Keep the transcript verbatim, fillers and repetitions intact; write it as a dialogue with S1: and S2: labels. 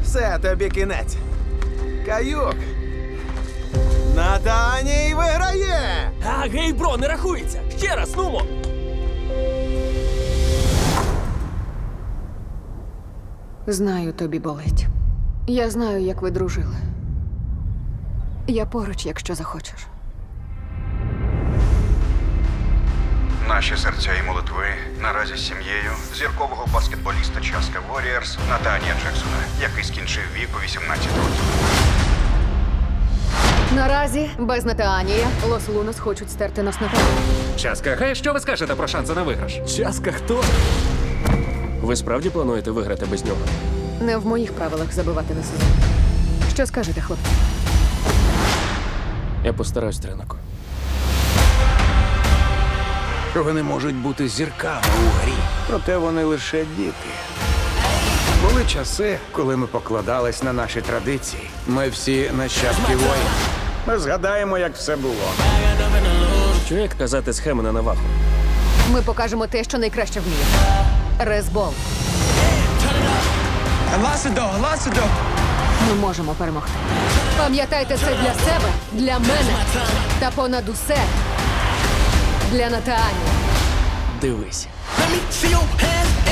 S1: Все, тобі кінець. Каюк. Натаній виграє!
S2: А, гей, бро, не рахується! Ще раз, нумо!
S3: Знаю, тобі болить. Я знаю, як ви дружили. Я поруч, якщо захочеш.
S4: Наші серця і молитви наразі з сім'єю зіркового баскетболіста Часка Воріарс Натанія Джексона, який скінчив вік у вісімнадцять років.
S3: Наразі, без Натаанія, Лос Лунос хочуть стерти нас на пам'ять.
S5: Часка, хай що ви скажете про шанси на виграш?
S2: Часка хто? Ви справді плануєте виграти без нього?
S3: Не в моїх правилах забивати на сезон. Що скажете, хлопці?
S2: Я постараюсь, Тренако.
S6: Вони можуть бути зірками у грі, проте вони лише діти. Були часи, коли ми покладались на наші традиції. Ми всі нащадки воїн. Ми згадаємо, як все було.
S2: Що як казати схеми на наваху?
S3: Ми покажемо те, що найкраще вміє. Резбол. Ми можемо перемогти. Пам'ятайте це для себе, для мене та понад усе для Натаанії.
S2: Дивись.
S7: Let me see your hands